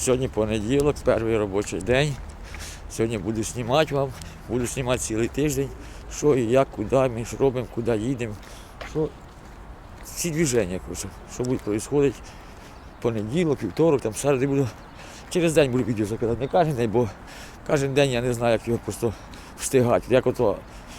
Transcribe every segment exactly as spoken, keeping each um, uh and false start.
Сьогодні понеділок, перший робочий день. Сьогодні буду знімати вам, буду знімати цілий тиждень, що і як, куди ми ж робимо, куди їдемо, що всі движення, коротше, що буде відбуватися понеділок, вівторок, там середи буду. Через день буду відео закидати, не кожен день, бо кожен день я не знаю, як його просто встигати, як ото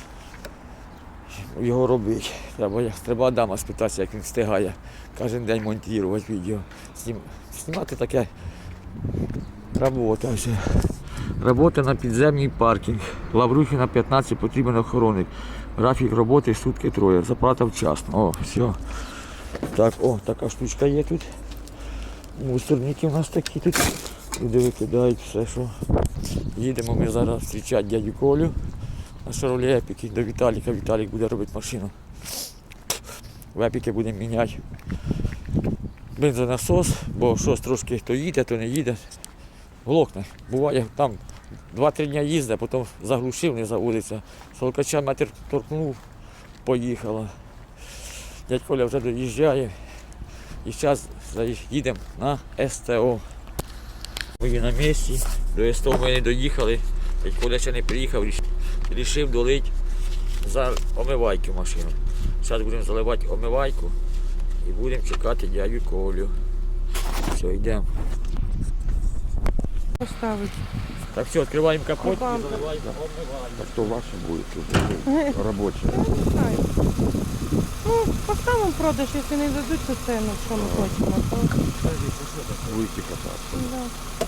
його робити. Треба, треба Адама спитатися, як він встигає кожен день монтувати відео. Знім, знімати таке робота. Робота на підземний паркінг. Лаврухіна п'ятнадцять потрібен охоронник. Графік роботи сутки троє. Заплата вчасно. О, все. Так, о, така штучка є тут. Мусорники у нас такі тут. Люди викидають все, що. Їдемо ми зараз зустрічати дядю Колю на Шевроле Епіки до Віталіка. Віталік буде робити машину. В Епіки будемо міняти бензонасос, бо щось трошки хто їде, то не їде. Глохне. Буває, там два-три дні їздить, потім заглушив, не заводиться. Солкача метр торкнув, поїхала. Дядь Коля вже доїжджає. І зараз їдемо на ес те о. Ми на місці, до ес те о ми не доїхали. Дядь Коля ще не приїхав, вирішив долити за омивайки в машину. Зараз будемо заливати омивайку і будемо чекати дядю Колю. Все, йдемо. Поставить. Так, все, відкриваємо капот і Купам. заливаємо омивайку. Так то ваше будет уже рабочее. Я не знаю. Ну, поставимо в продаж, якщо не дадуть, то це, ну, що ми хочемо. То... Выйти кататься. Да.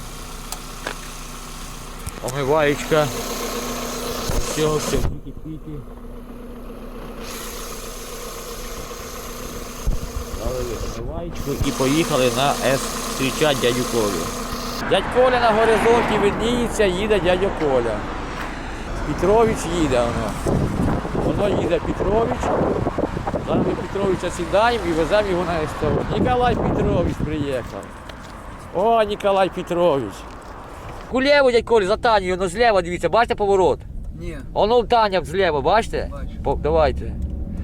Омиваєчка. Все, все, піки-піки. Залили омиваєчку і поїхали на ес зустрічати дядю Колю. Дядь Коля на горизонті видніється, їде дядя Коля. Петрович їде воно. Воно їде Петрович. Зараз ми Петровича сідаємо і веземо його на ес те о. Ніколай Петрович приїхав. О, Ніколай Петрович. Кулєву, дядь Коля, за Танею, воно зліва, дивіться, бачите поворот? Ні. Воно Таня зліва, бачите? Бачу. По, давайте.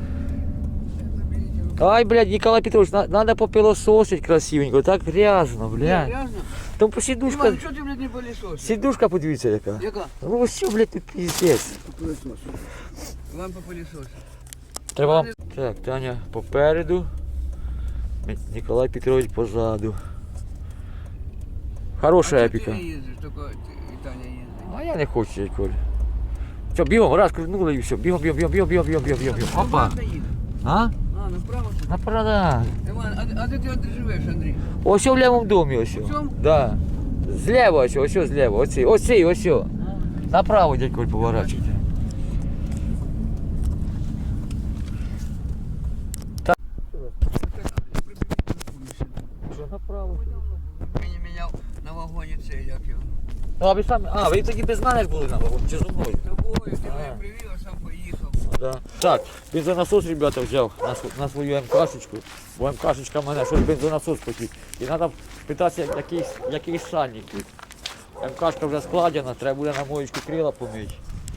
Ай, блядь, Ніколай Петрович, на, надо попилососить красивенько, так грязно, блядь. Грязно? Там по сідушка, Іван, що ти, блядь, не пилісосиш? сідушка подивіться яка. Яка? Ну ось що, блядь, тут піздець. Пилісос. Іван попилісосиш. Треба вам... Так, Таня попереду, Ніколай Петрович позаду. Хороша А епіка. ти не їздиш, тільки і Таня їздить. А я не хочу, дядь Коля. Все, бігом, раз крутнули і все, бігом, бігом, бігом, бігом, бігом, бігом, бігом, бігом. Опа. Ти їдеш? А? А, направо? На продаж. Іван, а, а де ти от живеш, Андрій? Ось в лівому домі, ось. В цьому? Да. Зліва ось, ось зліва, оці, оці, ось. Направо, дядь Коль, поворачуйте. Так. Що, направо? Мені міняв на вагоні цей, як його. А, ви самі, а, ви тоді без мене ж були на вагоні, чи зі мною? Тобою, ти А. мене привів, а сам поїхав. Да. Так, бензонасос, ребята, взяв на, св- на свою ем-кашечку, бо ем-кашечка в мене, щось бензонасос потік. І треба питатися, який, який сальник тут. Ем-кашка вже складена, треба буде на моєчку крила помити.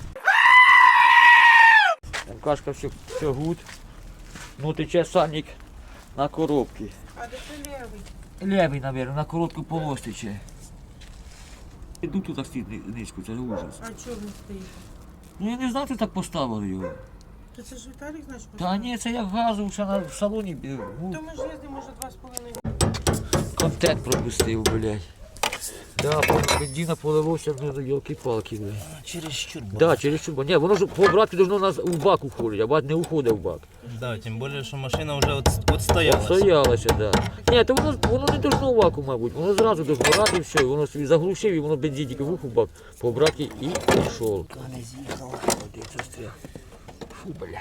Ем-кашка все, все гуд. Ну тече сальник на коробки. А де це лівий? Левий, мабуть, на коротку полос тече. Іду тут так стоїть низько, це ужас. А чого він стоїть? Ну я не знав, що так поставили його. То це ж Віталік наш Та поставив? ні, це як газу ще на, в салоні. Ну, То ми ж їздимо вже два з половиною. контент пропустив, блядь. Да, бензина поливося, ну, йолки-палки, блядь. Через чурбу. Да, через чурбу. Ні, воно ж по обратки должно нас в бак уходить, а бак не уходить в бак. Да, тем более, что машина уже от, отстоялась. Стоялося, да. Ні, то воно, воно не должно в баку, мабуть. Воно зразу должно рати і все, і воно собі заглушив, і воно бензин тільки в уху в бак, по обратки і пішов. Не з'їхала. Фу, бля.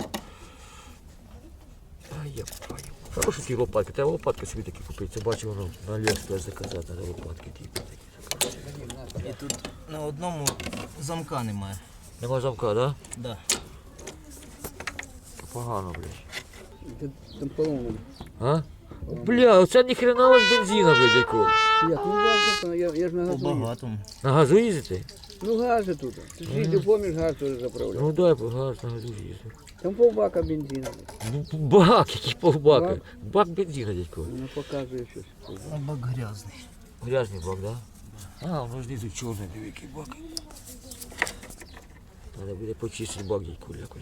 Ай, я паю. Хороші ті лопатки, треба лопатки собі такі купити. Це бачу, воно на Аліекспрес заказати, треба лопатки ті такі. І тут на одному замка немає. Нема замка, да? Да. Погано, блядь. Там поломано. А? Бля, оце ніхрена у вас бензина, блядь, якого. Як? Ну газу, я, я ж на По газу їду. багатому. На газу їздите? Ну гази тут. Ти ж їздив, поміж газ теж заправляв. Ну дай газ на газу їздив. Там полбака бензину. Ну бак, який повбака. Бак? Бак бензина, дядько. Воно показує щось. А бак грязний. Грязний бак, да? А, воно знизу чорний, диви, який бак. Треба буде почистити бак, дядьку, якось.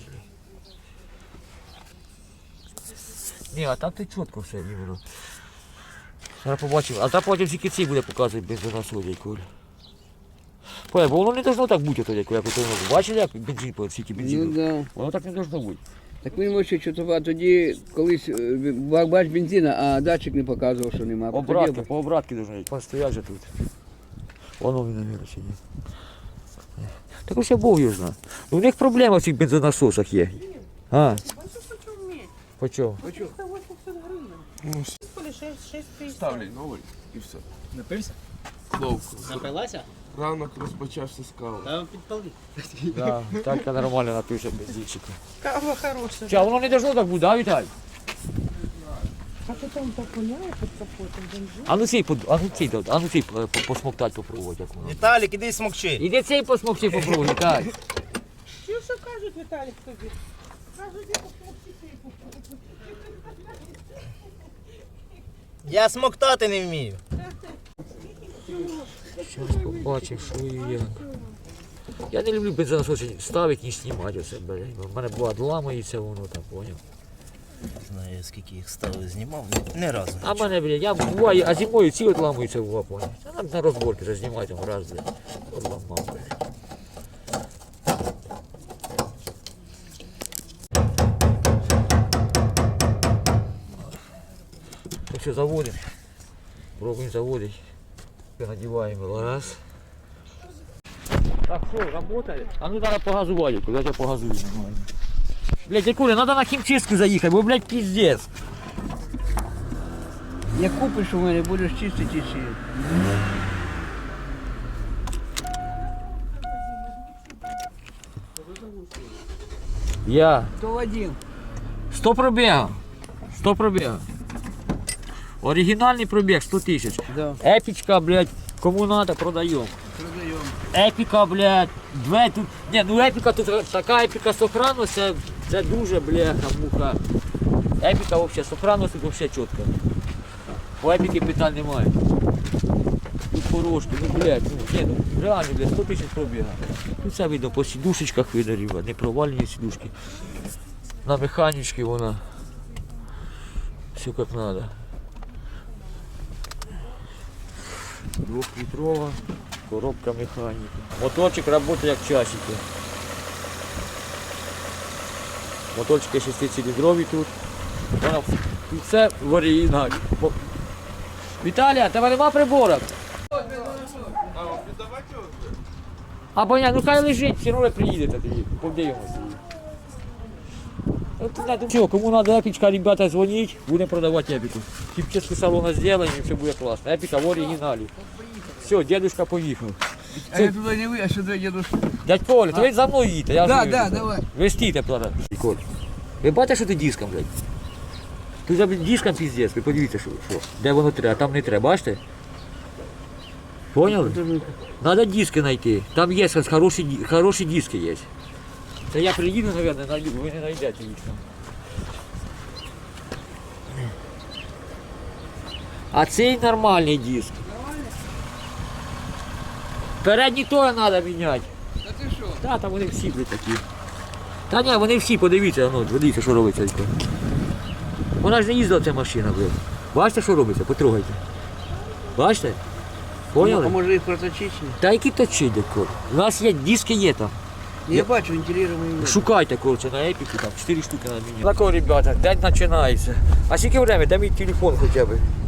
Ні, а там ти чітко все іменно. Зараз побачимо. А там потім тільки ці буде показувати бензонасос, дядьку. Понял, бо воно не должно так бути, ото, дядьку, як ото воно. Бачили, як бензин, по скільки Ну бензину? да. Воно так не должно бути. Так він може чутова, тоді колись е, ба- бач бензина, а датчик не показував, що нема. Обратки, Тоді- по обратки должно йти. Постоять же тут. Воно він, наверное, чи ні. Так ось я Бог його знає. У них проблема в цих бензонасосах є. А? По чому? Ставлю новий і все. Напився? Ловко. Напилася? Ранок розпочався з кави. Та підпали. Да, так я нормально напився бензинчика. Кава хороша. Ча, воно не должно так бути, да, Віталій? А то там так воняє під капотом бензин. А ну цей, под- а ну цей, а ну цей по- по- посмоктать попробувати, як воно. Віталік, іди смокчи. Іди цей посмокчи попробуй, Віталій. Що що кажуть, Віталік, тобі? Кажуть, я Я смоктати не вмію. Зараз побачимо, що і як. Я не люблю бензонасос ставити, ні знімати оце, блядь. У мене буває ламається воно там, поняв. Знаю, скільки їх ставив, знімав, ні- ні разу. А в мене, блядь, я буваю, а зимою ці от ламаються, буває, поняв. А нам на розборки вже знімають там раз, блядь. От ламав, блядь. Так що заводимо. Пробуємо заводити. Надіваємо раз. Так, що, работает? А ну треба погазувати, куди я погазую. нормально. Блядь, Якуля, надо на хімчистку заїхати, бо, блядь, пиздец. Як купиш у мене, будеш чистити і ще. Я. То Вадим. сто пробігів. сто пробігів. Оригінальний пробіг сто тисяч. Да. Епічка, блядь, кому надо, продаємо. Продаємо. Епіка, блядь, две тут. Ні, ну епіка тут така епіка сохранності, це, це дуже, бляха, муха. Епіка взагалі, сохранності тут взагалі чітко. По епіки питань немає. Тут порожки, ну блядь, ну, ні, ну реально, блядь, сто тисяч пробіга. Тут це видно по сідушечках видно, ребят, не провальні сідушки. На механічці вона. Все як надо. Двухлитрова коробка механіки. Моторчик працює як часики. Моторчики шестициліндрові тут. Вона, тут все в оригіналі. Бо- Віталія, тебе нема приборок? Або ні, ну хай лежить, все одно приїдете тоді, подивимося. Ну, ти знаєте, що, кому треба епічка, ребята, дзвоніть, будемо продавати епіку. Хімчистку салона зробимо і все буде класно. Епіка в оригіналі. Все, дедушка поїхав. А я туди не ви, а сюди дідусь. Дядь Коля, то ви за мною їдьте, я Да, ж да, давай. Ви стійте, правда. Коль, ви бачите, що ти диском, блядь? Тут за диском піздець, ви подивіться, що, що. Де воно треба, а там не треба, бачите? Поняли? Надо диски знайти. Там є хороші, ди- хороші диски є. Це я приїду, мабуть, знайду, ви не знайдете їх там. А цей нормальний диск. Передній теж треба міняти. Та ти що? Та, там вони всі блядь, такі. Та ні, вони всі, подивіться, ну, подивіться, що робиться. Вона ж не їздила ця машина, блядь. Бачите, що робиться? Потрогайте. Бачите? А Поняли? може їх проточити? Та які точить, дядько? У нас є, диски є там. Я бачу, вентилірований. Шукайте, коротше, на епіку, там чотири штуки на мені. Так, ребята, день починається. А скільки время? Дай мій телефон хоча б.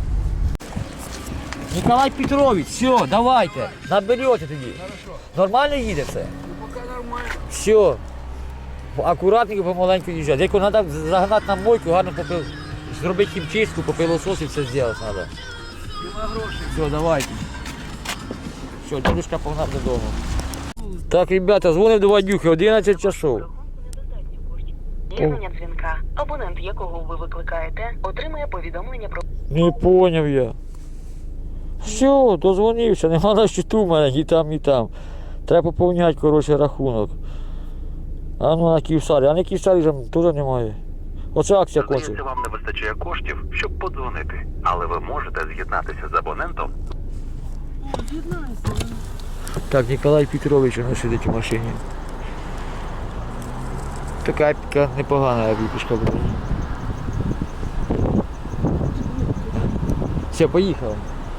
Николай Петрович, все, давайте, наберете тоді. Нормально їде все? Поки нормально. Все. Акуратненько, помаленьку їжджати. Як треба загнати на мойку, гарно попил... зробити хімчистку, попилосос і все зробити треба. Нема грошей. Все, давайте. Все, дедушка погнав додому. Так, ребята, дзвонив до Вадюхи, одинадцять часов. З'єднання дзвінка. Абонент, якого ви викликаєте, отримує повідомлення про Не поняв я. Все, дозвонився, нема на щиту в мене, і там, і там. Треба поповняти, коротше, рахунок. А ну на Київстарі, а на Київстарі вже теж немає. Оце акція кончилась. Здається, вам не вистачає коштів, щоб подзвонити, але ви можете з'єднатися з абонентом. Так, Ніколай Петрович, він сидить у машині. Така така непогана випічка буде. Все, поїхали.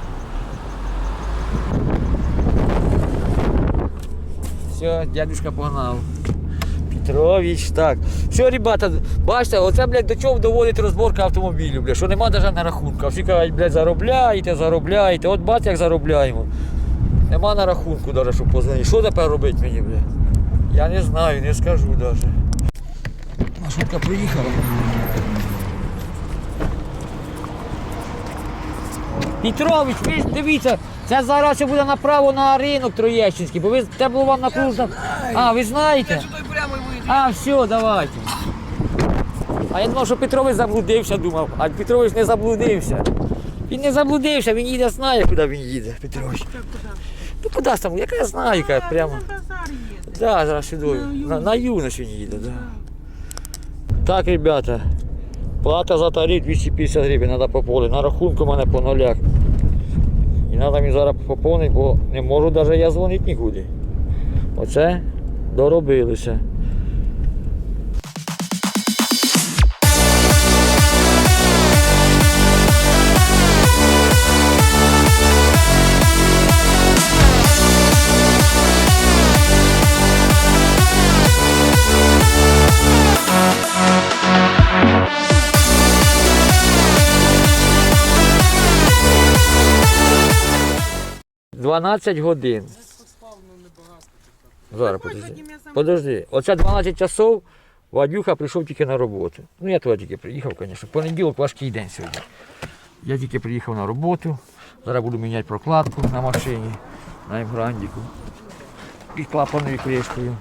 Все, дядюшка погнав. Петрович, так. Все, ребята, бачите, оце, блядь, до чого доводить розборка автомобілів, блядь, що нема навіть на рахунку. Всі кажуть, блядь, заробляєте, заробляєте. От бачите, як заробляємо. Нема на рахунку навіть, щоб позвонити. Що тепер робити мені, блядь? Я не знаю, не скажу навіть. Маршрутка приїхала. Петрович, ви ж дивіться, це зараз буде направо на ринок Троєщинський, бо ви це було вам накружено. А, ви знаєте? А, все, давайте. А я думав, що Петрович заблудився, думав, а Петрович не заблудився. Він не заблудився, він їде, знає, куди він їде, Петрович. Ну куди ж там, яка я знаю, яка прямо. Так, да, зараз сюди. На, на юність він їде, так. Да. Так, ребята, плата за тариф двісті п'ятдесят гривень треба поповнити. На рахунку в мене по нулях. І треба мені зараз поповнити, бо не можу навіть я дзвонити нікуди. Оце доробилися. дванадцять годин. Зараз подожди. Подожди. Оце дванадцять часов Вадюха прийшов тільки на роботу. Ну я туди тільки приїхав, звісно. Понеділок важкий день сьогодні. Я тільки приїхав на роботу. Зараз буду міняти прокладку на машині, на Емграндіку. Під клапаною кришкою.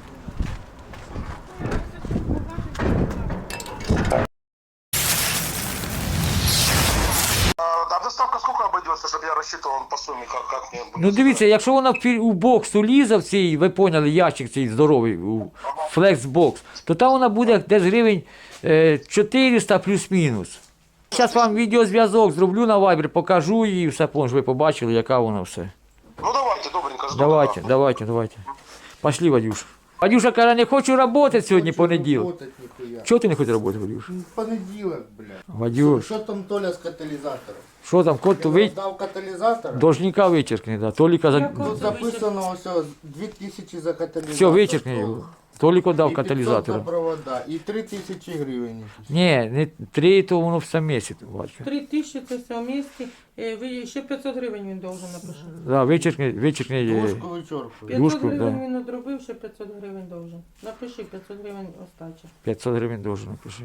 А доставка сколько обойдется, чтобы я рассчитывал по сумме, как, как мне будет? Ну дивіться, якщо вона в фі- у бокс улізе в цей, ви поняли, ящик цей здоровий, у флекс-бокс, то там вона буде десь гривень е, чотириста плюс-мінус. Зараз вам відеозв'язок зроблю на Viber, покажу її, все, помню, ви побачили, яка вона все. Ну давайте, добренько, жду. Давайте, давайте, давайте. Пошли, Вадюш. Вадюша каже, не хочу працювати сьогодні понеділок. Работать нихуя. Чого ти не хочеш працювати, Вадюш? Понеділок, блядь. Вадюш, Що там Толя з каталізатором? що там, кот то Він ви... роздав каталізатор? Должника вичеркни, да. Толіка за... Тут записано все, дві тисячі за каталізатор. Все, вичеркни його. Толіко дав І п'ятсот каталізатора. на провода, і три тисячі гривень. Ні, не три, то воно все місяць, бачу. Три тисячі це все в місті. Е, ви- Ще п'ятсот гривень він должен написати. Да, вичеркни, вичеркни. е, Дужку вичоркую. п'ятсот Юшку, гривень да. він одробив, ще п'ятсот гривень должен. Напиши, п'ятсот гривень остача. п'ятсот гривень должен напиши.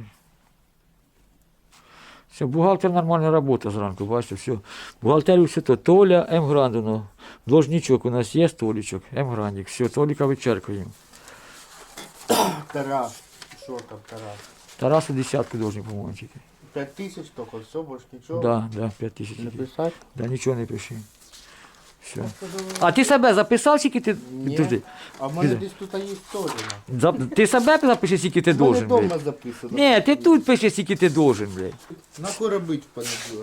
Все, бухгалтер нормальна робота зранку, бачите, все. Бухгалтерію все то. Толя, М-Грандино. Должничок у нас є, Толічок, М-Грандик. Все, Толіка вичеркуємо. Тарас. Що там Тарас? Тарасу десятку должен, по-моєму, тільки. П'ять тисяч тільки, все, більше нічого. Да, да, п'ять тисяч. тільки. Написати? Да, нічого не пиши. Все. А ти себе записав, скільки ти... Ні. Подожди. А в мене Іди. десь тут є Толіна. За- Ти себе запиши, скільки ти У мене должен, вдома блядь. записано. Ні, ти тут пишеш, скільки ти должен, блядь. Нахуй робити в понеділок?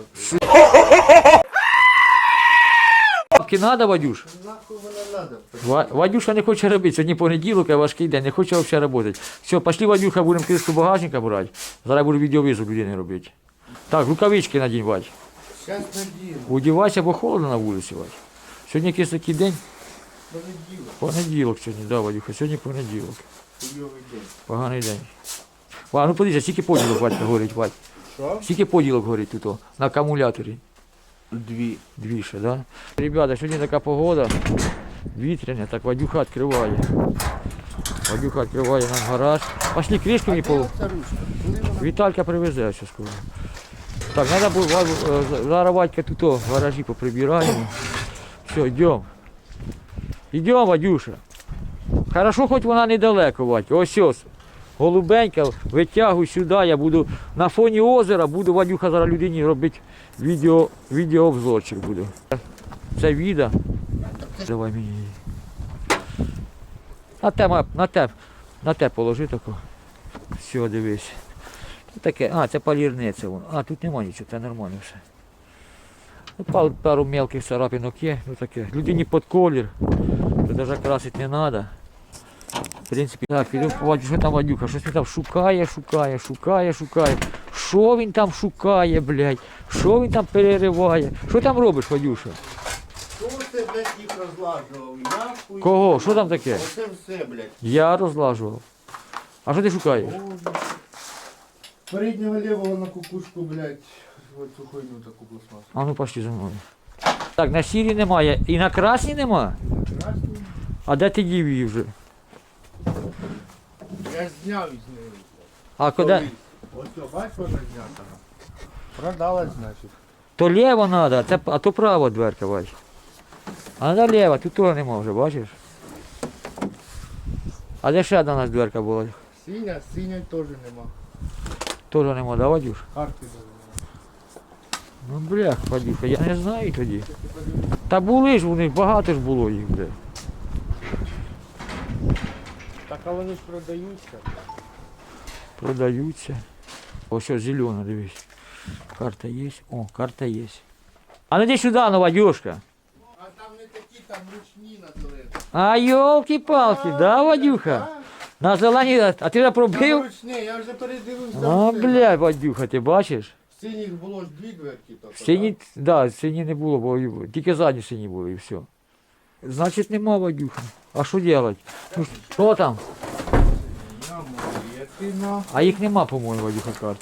Бабки надо, Вадюш? Нахуй воно надо? Ва- Вадюша не хоче робити, сьогодні понеділок, а важкий день, не хоче взагалі працювати. Все, пішли, Вадюха, будемо кришку багажника брати. Зараз буду відеовизов людини робити. Так, рукавички надінь, Вадь. Зараз надію. Удівайся, бо холодно на вулиці, Вадь. Сьогодні якийсь такий день. Понеділок. Понеділок сьогодні, да, Вадюха, сьогодні понеділок. Хуйовий день. Поганий день. Ва, ну подивіться, скільки поділок, Вадька, горить, Вадь. Що? Скільки поділок горить тут, о, на акумуляторі. Дві. Дві ще, да? Ребята, сьогодні така погода, вітряна, так Вадюха відкриває. Вадюха відкриває нам гараж. Пошли кришки мені по... Оця ручка. Коли вона Віталька привезе все скоро. Так, треба було, Ва- е, зараз Вадька тут о, в гаражі поприбираємо. Все, йдемо. Йдемо, Вадюша. Хорошо, хоч вона недалеко, Вадька. Ось ось. Голубенька, витягуй сюди, я буду на фоні озера, буду Вадюха зараз людині робити відео, відеообзорчик буду. Це віда. Давай мені її. На те, ма- на те, на те положи тако. Все, дивись. Це таке, а, це полірниця воно. А, тут нема нічого, це нормально все. Ну, пару, пару мелких царапинок є, ну таке. Людині під колір, то навіть красити не треба. В принципі, так, піду побачу, що там Вадюха, щось він там шукає, шукає, шукає, шукає. Що він там шукає, блядь? Що він там перериває? Що там робиш, Вадюша? Хто це, блядь, їх розлажував? Я хуй. Кого? Що там таке? Оце все, блядь. Я розлажував. А що ти шукаєш? Переднього лівого на кукушку, блядь, ось цю хуйню таку пластмасу. А ну пошли за мною. Так, на сірі немає. І на красній нема? Красний. А де ти дів її вже? Я ж зняв із неї. А куди? Ось що, бачиш, вона знята. Продалась, значить. То ліво треба, це, а то право дверка, бач. А треба ліво, тут того нема вже, бачиш? А де ще одна у нас дверка була? Синя, синя теж нема. Тоже нема, да, Вадюш? Карти даже Ну блях, Вадюха, я не знаю тоді. Та були ж у них, багато ж було їх, бля. нема. Так, а вони ж продаються. Продаються. Ось що, зелена, дивись. Карта є. О, карта є. А ну йди сюди, ну, Вадюшка. А там не такі, там ручні на туалет. А йолки-палки, да, Вадюха? На зелені, а ти вже Там пробив? ручні, я вже передивився. А, все. бля, Вадюха, ти бачиш? В синіх було ж дві дверки. тільки, Сині, так? да, сині не було, бо тільки задні сині були і все. Значить нема, Вадюха. А що робити? Ну, що там? Я молодець, ти на. А їх нема, по-моєму, Вадюха, карт.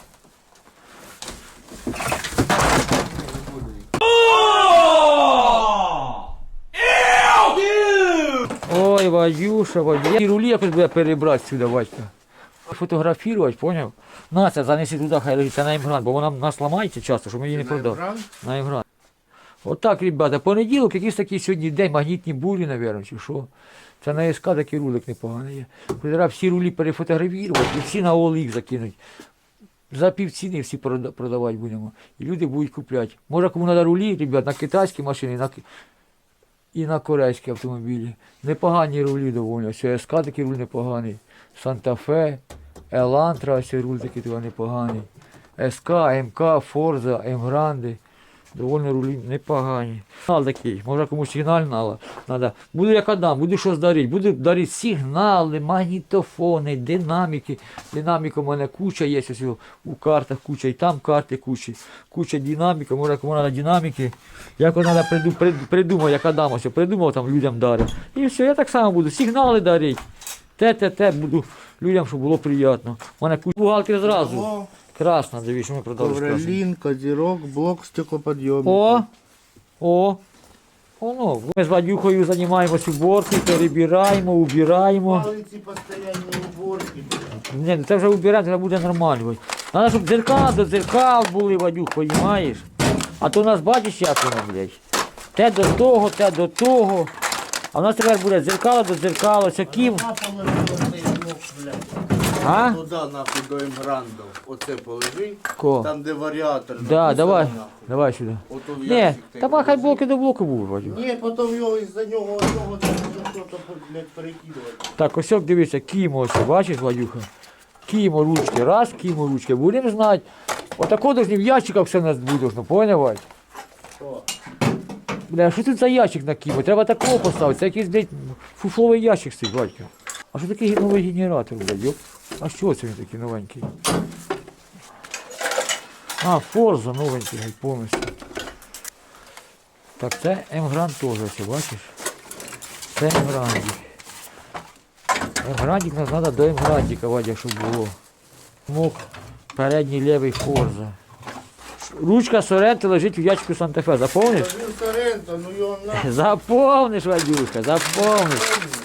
Ой, Вадюша, Вадюша. І рулі якось буде перебрати сюди, Вадька. Фотографувати, поняв? На це, занеси туди, хай лежить, це на імгрант, бо вона в нас ламається часто, щоб ми її не продали. Бран? На імгрант. Отак, ребята, понеділок, якийсь такий сьогодні день, магнітні бурі, мабуть, чи що. Це на СК такий рулик непоганий є. Треба всі рулі перефотографувати і всі на Олік закинуть. За півціни всі прода- продавати будемо. І люди будуть купляти. Може, кому треба рулі, ребят, на китайські машини на... ки- і на корейські автомобілі. Непогані рулі доволі. Ось СК такий руль непоганий. Санта-Фе, Елантра, ось руль такий туди непоганий. СК, МК, Форза, М-Гранди. Довольно рулі непогані. Сигнал такий, може комусь сигнал треба. Буду як Адам, буду щось дарити. Буду дарити сигнали, магнітофони, динаміки. Динаміка у мене куча є, ось у картах куча, і там карти куча. Куча динаміки, може кому треба динаміки. Як треба приду, прид, придумати, як Адам ось придумав там людям дарити. І все, я так само буду сигнали дарити. Те-те-те, буду людям, щоб було приємно. У мене куча бухгалтер зразу. О, Красна, дивіться, що ми продали. красну. ковролін, козірок, блок стеклоподйомник. О, о, воно. Ми з Вадюхою займаємося уборкою, перебираємо, убираємо. Палиці постійні уборки. Ні, ну це вже убираємо, це буде нормально. Треба, щоб дзеркала до дзеркал були, Вадюх, розумієш? А то у нас, бачиш, як воно, блядь. Те до того, те до того. А в нас тепер буде дзеркало до дзеркала, це ким. А? Туди, нахуй, до Емгранду. Оце положи. Ко? Там, де варіатор. Да, написано, давай, нахуй. давай сюди. Ото в Ні, ящик ти та хай положи. блоки до блоку був, Вадюх. Ні, потім його із-за нього одного там щось, блядь, перекидувати. Так, ось, дивіться, кімо ось, бачиш, Вадюха? Кімо ручки, раз, кімо ручки. Будемо знати. Отако должны в ящиках все у нас буде, ну, поняв, Вадь? Що? Бля, що тут за ящик на кімо? Треба такого поставити. Це якийсь, блядь, фуфловий ящик стоїть, Вадька. А що такий новий генератор, блядь, йоп? А що це він такий новенький? А, Форза новенький, блядь, повністю. Так, це М-Гранд теж, ось, бачиш? Це М-Грандик. М-Грандик нас треба до М-Грандика, Вадя, щоб було. Мок, передній лівий Форза. Ручка Соренто лежить в ящику Санта-Фе, заповниш? Він Соренто, ну його нахуй. Заповниш, Вадюшка, заповниш.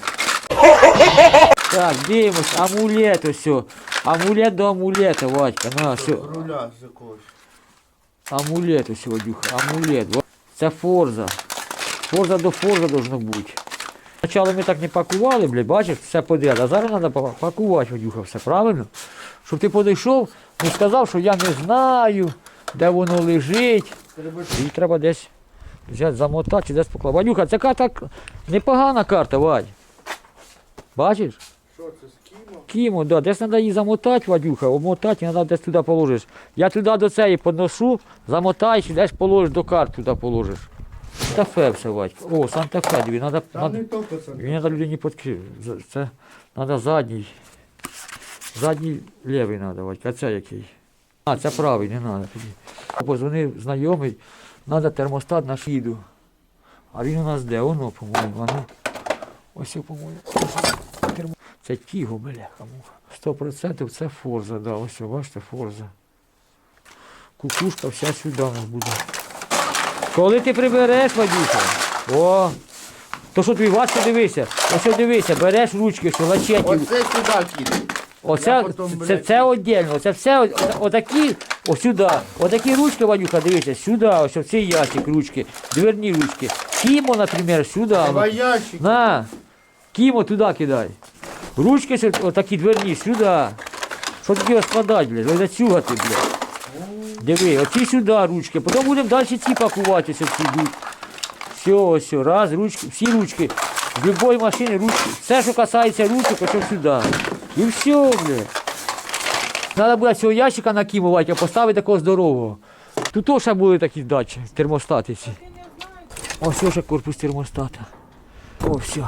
Так, дивимось, амулет ось. Амулет до амулета, Вадька, на, все. Руля з якогось. Амулет ось, Вадюха, амулет. Во. Це Форза. Форза до Форза должно бути. Спочатку ми так не пакували, блядь, бачиш, все подряд, а зараз треба пакувати, Вадюха, все, правильно? Щоб ти підійшов, не сказав, що я не знаю, де воно лежить. І треба десь взяти, замотати чи десь покласти. Вадюха, це карта непогана карта, Вадь. Бачиш? Що це, з ким? Кімо, да, десь треба її замотати, Вадюха, обмотати, і треба десь туди положиш. Я туди до цієї підношу, замотаєш і десь положиш до карт, туди положиш. Санта-Фе все, Вадька. О, Санта-Фе, диві, треба, Там не тільки це. він треба людині підкрив. Це треба задній. Задній лівий треба, Вадька, а це який? А, це правий, не треба тоді. Позвонив знайомий, треба термостат на шіду. А він у нас де? Воно, по-моєму, воно. Ось, по-моєму. Термо- Це Тіго, бляха. Сто процентів це Форза, да, ось, бачите, Форза. Кукушка вся сюди у нас буде. Коли ти прибереш, Вадюша, о, то що тобі важко дивися, ось дивися, береш ручки, що лачеті. Оце сюди кидай. Оце, Я потім, це, блядь, це віддільно, це все о- отакі, ось сюди, отакі ручки, Вадюха, дивися, сюди, ось в цей ящик ручки, дверні ручки. Кімо, наприклад, сюди. Два ящики. На, Кімо туди кидай. Ручки сю- отакі дверні, сюди. Що таке розкладати, блядь, зацюгати, блядь. Диви, оці сюди ручки, потім будемо далі ці пакуватися, всі йдуть. Все, ось, раз, ручки, всі ручки. З будь-якої машини ручки. Все, що касається ручок, ось сюди. І все, блядь. Треба буде цього ящика накимувати, а поставити такого здорового. Тут теж ще були такі дачі, термостати ці. Ось ще корпус термостата. О, все.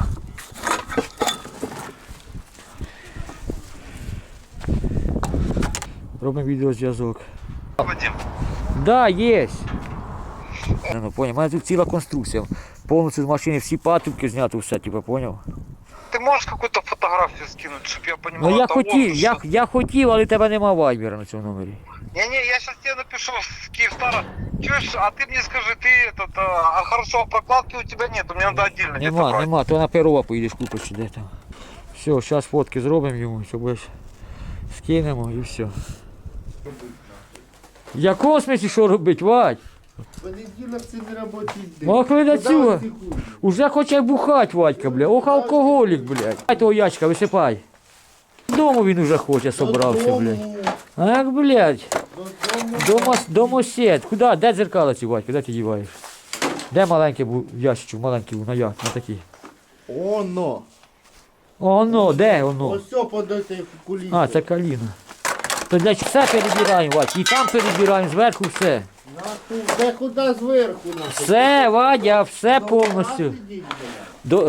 Робимо відеозв'язок. Вадим. Да, є. Ну, понял, у мене тут ціла конструкція. Повністю з машини всі патрубки зняти, все, типу, поняв? Ты можешь какую-то фотографию скинуть, чтобы я понимал? Ну я это хотів, он, я, что- я хотів, але тебе нема вайбера на цьому номері. Не-не, я сейчас тебе напишу с Киевстара. Чуешь, а ты мне скажи, ты этот, а, а хорошо, а прокладки у тебя нет, мне надо отдельно где-то Нема, брать. нема, то на Перова поїдеш купиш чи де там. Все, зараз фотки зробимо йому, щоб ось скинемо і все. В якому смислі що робити, Вадь? Понеділок це не робочий день. Ну, а коли до Куди цього? ви тихуєте? Уже хоче бухать, Вадька, бля. Ох, алкоголік, блядь. Дай того ящика, висипай. Дому він уже хоче, собрався, блядь. Ах, блядь. Дома, домосед. Куди? Де дзеркало ці, Вадька? Де ти діваєш? Де маленький був ящичок, маленький був, на як, на такий. Оно. Оно, де воно? Ось все под этой кулісою. А, це каліна. То для чого все перебираємо, Вадь? І там перебираємо, зверху все. Нахуй, де куди зверху нахуй? Все, Вадя, все повністю. Нахуй йдіть, блядь. До...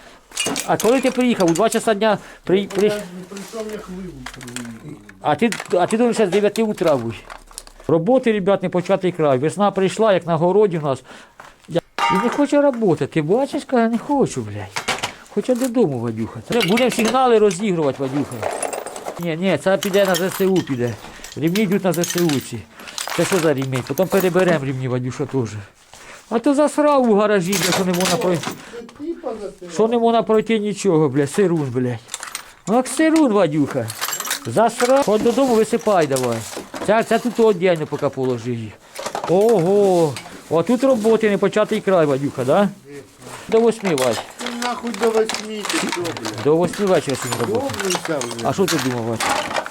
А коли ти приїхав? У два часа дня при... при... Я не прийшов, як вибух. А ти, а ти думаєш, з дев'яти утра будь. Роботи, ребят, не початий край. Весна прийшла, як на городі у нас. Я... І не хоче роботи. Ти бачиш, каже, не хочу, блядь. Хоче додому, Вадюха. Треба, будемо сигнали розігрувати, Вадюха. Ні, ні, це піде на ЗСУ піде. Рівні йдуть на ЗСУ ці. Це що за рівень? Потім переберемо рівні, Вадюша, теж. А то засрав у гаражі, бля, що не можна пройти. Ти типа засирав. Що не можна пройти нічого, бля, сирун, блядь. Ах, сирун, Вадюха. Засрав. Ходь додому, висипай давай. Це, це тут віддільно поки положи їх. Ого. О, тут роботи, не початий край, Вадюха, да? До восьми, Вадь. Ти нахуй до восьми, ти що, блядь? До восьми вечора сьогодні роботи. Довбився вже. А що ти думав, Вадь?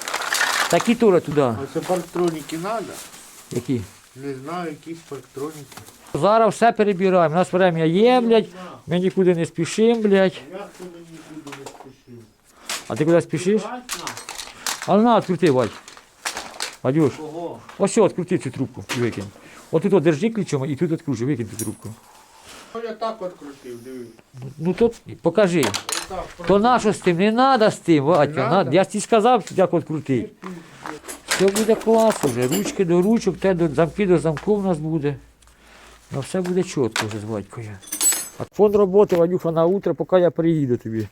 Такі тури туди. Ось парктроніки треба? Які? Не знаю, якісь парктроніки. Зараз все перебираємо. У нас время є, блядь. Ми нікуди не спішимо, блядь. Як ти мені нікуди не спішив? А ти куди спішиш? Брать нахуй? А на, відкрути, Вадь. Вадюш, Кого? ось що, відкрути цю трубку і викинь. От тут от держи ключом і тут відкручуй, викинь цю трубку. Ну, я так от крутив, дивись. Ну то покажи. Отак, То на що з тим? Не треба з тим, Вадька. надо? На- Я ж тобі сказав, як відкрути. Все буде клас вже. Ручки до ручок, те до замки до замку в нас буде. Ну все буде чітко вже з Вадькою. А фон роботи, Вадюха, на утро, поки я приїду тобі.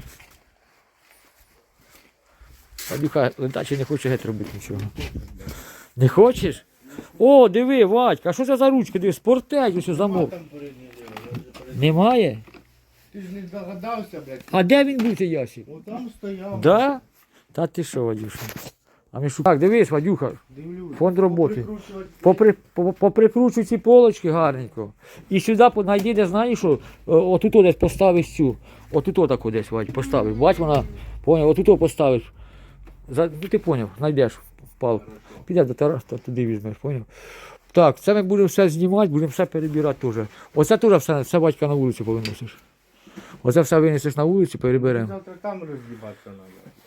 Вадюха, ледачі не хоче геть робити нічого. Не хочеш? О, диви, Вадька, а що це за ручки? Диви, спортець, ось замок. там передній лівий, я вже перед- Немає? Ти ж не догадався, блядь. А де він був цей ящик? Отам стояв. Да? Та ти що, Вадюша? А ми шукаємо. Так, дивись, Вадюха, Дивлюсь. фонд роботи. Поприкручувати. Попри, по- поприкручуй ці полочки гарненько. І сюди знайди, де знаєш, що о, отут десь поставиш цю. Отут отаку десь, Вадь, поставиш. Бач, вона, поняв, отут поставиш. За, ну ти поняв, знайдеш палку. Підеш до Тараса, туди візьмеш, поняв? Так, це ми будемо все знімати, будемо все перебирати теж. Оце теж все, все батька на вулицю повиносиш. Оце все винесеш на вулицю, переберемо. Завтра там роз'їбатися треба.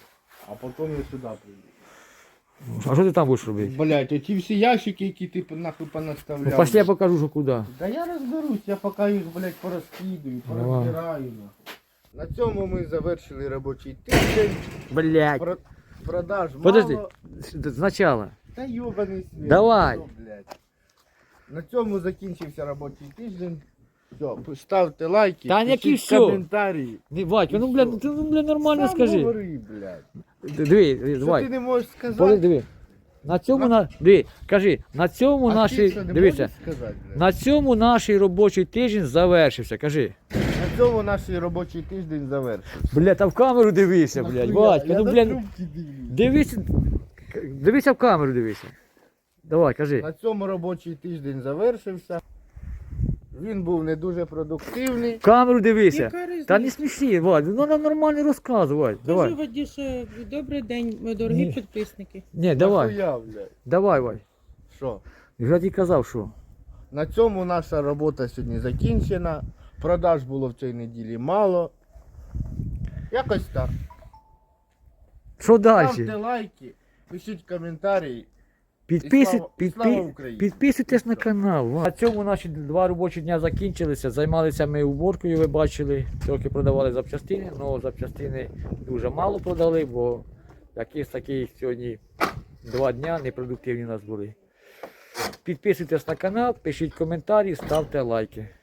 А потім я сюди прийду. А що ти там будеш робити? Блять, оті всі ящики, які ти нахуй Ну, понаставляв. пошли я покажу, що куди. Да я розберусь, я поки їх, блядь, порозкидаю, Давай. порозбираю. нахуй. На цьому ми завершили робочий тиждень. Блять. Про... Продаж Подожди. мало. Спочатку. Та йобаний світ. Давай. Що, блядь. На цьому закінчився робочий тиждень. Все, ставте лайки, Та які пишіть все? коментарі. Не, Вадька, ну, бля, ну, ти, ну, бля, нормально Сам скажи. говори, блядь. Диви, диви, Що давай. ти не можеш сказати? Подожди, диви. На цьому, на... диви, кажи, на цьому А ти наші, що, не дивися, можеш сказати, блядь? на цьому наш робочий тиждень завершився, кажи. На цьому наш робочий тиждень завершився. Бля, та в камеру дивися, блядь, Нахуя? Вадька, Я ну, на бля, трубки дивлюсь. дивися, дивися в камеру, дивися. Давай, кажи. На цьому робочий тиждень завершився. Він був не дуже продуктивний. В камеру дивися. Яка різниця? Та не сміши, Вадь, ну нам нормально розказуй, Вадь, Кажу, давай. Ваді, що добрий день, мої дорогі Ні. підписники. Ні, давай, Нахуя, блядь? давай, Вадь. Що? Я тобі казав, що. На цьому наша робота сьогодні закінчена. Продаж було в цій неділі мало. Якось так. Що Ставте далі? лайки, пишіть коментарі. Підписуй, слава- підпи... слава Україні. Підписуйтесь на канал. На цьому наші два робочі дня закінчилися. Займалися ми уборкою, ви бачили. Трохи продавали запчастини, але запчастини дуже мало продали, бо якісь такі сьогодні два дня непродуктивні у нас були. Підписуйтесь на канал, пишіть коментарі, ставте лайки.